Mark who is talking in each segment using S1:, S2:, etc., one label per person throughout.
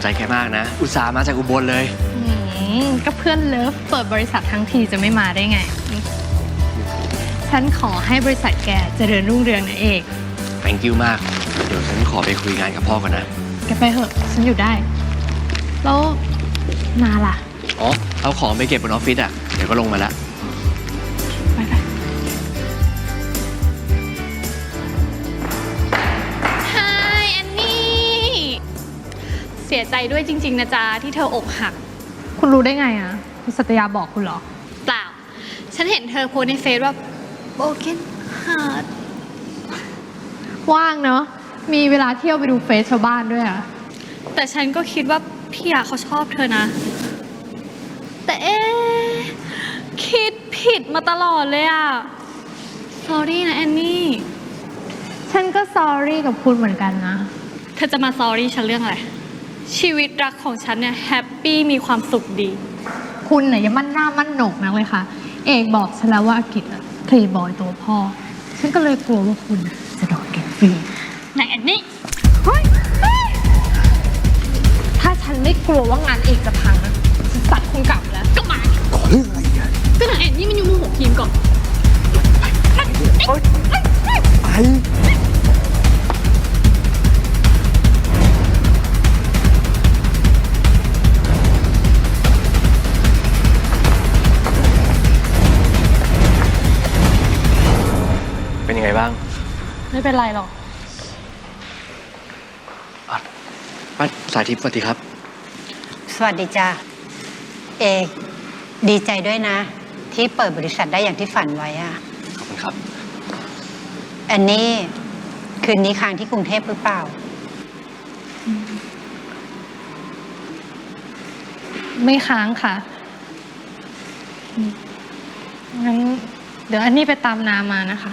S1: แกมากนะ อุตส่าห์มาจากอุบลเลย
S2: ก็เพื่อนเลิฟเปิดบริษัททั้งทีจะไม่มาได้ไง ฉันขอให้บริษัทแกเจริญรุ่งเรืองนะเอก
S1: thank you มาก เดี๋ยวฉันขอไปคุยงานกับพ่อก่อนนะ
S2: แกไปเถอะฉันอยู่ได้ แล้วนาล่ะ
S1: อ๋อ เอาของไปเก็บบนออฟฟิศอ่ะ เดี๋ยวก็ลงมาแล้ว
S2: ไปไฮายแอนนี่ เสียใจด้วยจริงๆนะจ๊ะที่เธออกหัก คุณรู้ได้ไงอ่ะคุณสัตยาบอกคุณเหรอ เปล่า ฉันเห็นเธอโพสในเฟซว่า broken heart ว่างเนอะมีเวลาเที่ยวไปดูเฟซชาวบ้านด้วยอ่ะ แต่ฉันก็คิดว่าพี่อาเขาชอบเธอนะ แต่คิดผิดมาตลอดเลยอ่ะ sorry นะแอนนี่ ฉันก็ sorry กับคุณเหมือนกันนะ เธอจะมา sorry ฉันเรื่องอะไร ชีวิตรักของฉันเนี่ยแฮปปี้มีความสุขดี คุณเนี่ยอย่ามั่นหน้ามั่นโหนกนักเลยค่ะ เอกบอกฉันแล้วว่าอากิจอะเพลย์บอยตัวพ่อ ฉันก็เลยกลัวว่าคุณจะโดนเก็บฟรีนางแอนนี่ถ้าฉันไม่กลัวว่างานเอกจะพังนะฉันสัตว์คงกลับแล้วก็มา
S3: ขอเรื่องอะไรอ่ะ
S2: ก็นางแอนนี่มันอยู่มือหัวทีมก่อน
S3: ไอ
S1: เป็นยังไงบ้าง
S2: ไม่เป็นไรหรอก
S1: ป้าสายทิพย์สวัสดีครับ
S4: สวัสดีจ้าเอกดีใจด้วยนะ ที่เปิดบริษัทได้อย่างที่ฝันไว้อะ
S1: ขอบคุณครับ
S4: แอนนี่คืนนี้ค้างที่กรุงเทพหรือเปล่า
S2: ไม่ค้างค่ะ งั้นเดี๋ยวอันนี้ไปตามนามานะคะ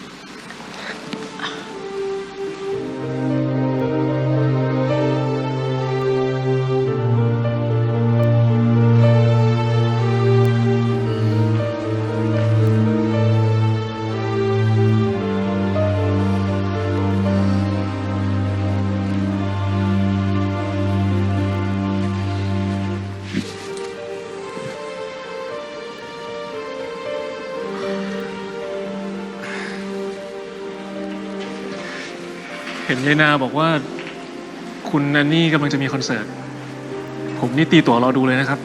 S5: เห็นยายนาบอกว่าคุณแอนนี่กำลังจะมีคอนเสิร์ต ผมนี่ตีตั๋วรอดูเลยนะครับ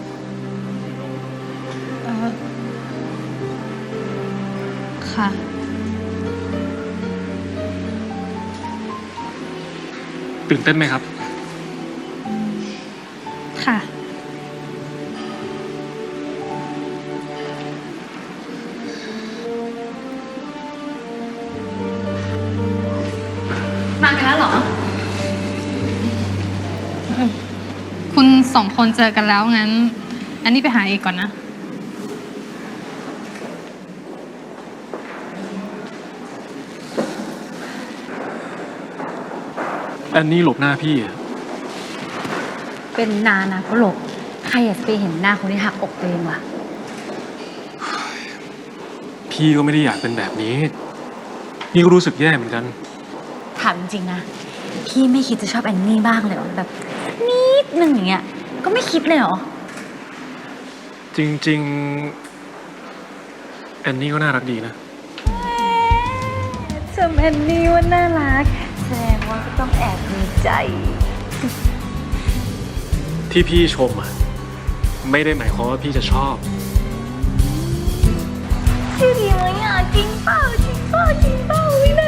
S2: ค่ะ
S5: ตื่นเต้นไหมครับ
S2: ค่ะ มากันแล้วเหรอ คุณสองคนเจอกันแล้วงั้น อันนี้ไปหาเอกก่อนนะ
S5: แอนนี่หลบหน้าพี่อะ
S6: เป็นนานะก็หลบใครอยากจะไปเห็นหน้าคนที่หักอกตัวเองวะ
S5: พี่ก็ไม่ได้อยากเป็นแบบนี้ พี่ก็รู้สึกแย่เหมือนกัน
S6: ถามจริงๆนะ พี่ไม่คิดจะชอบแอนนี่บ้างเลยเหรอแบบนิดนึงอย่างเงี้ย ก็ไม่คิดเลยเหรอ
S5: จริงๆแอนนี่ก็น่ารักดีนะ
S6: จำแอนนี่ว่าน่ารักแสดงว่าก็ต้องแอบมีใจ
S5: ที่พี่ชมอ่ะไม่ได้หมายความว่าพี่จะชอบ
S6: ชื่อดีไหมอ่ะจริงเปล่าจริงเปล่าจริงเปล่าไม่น่า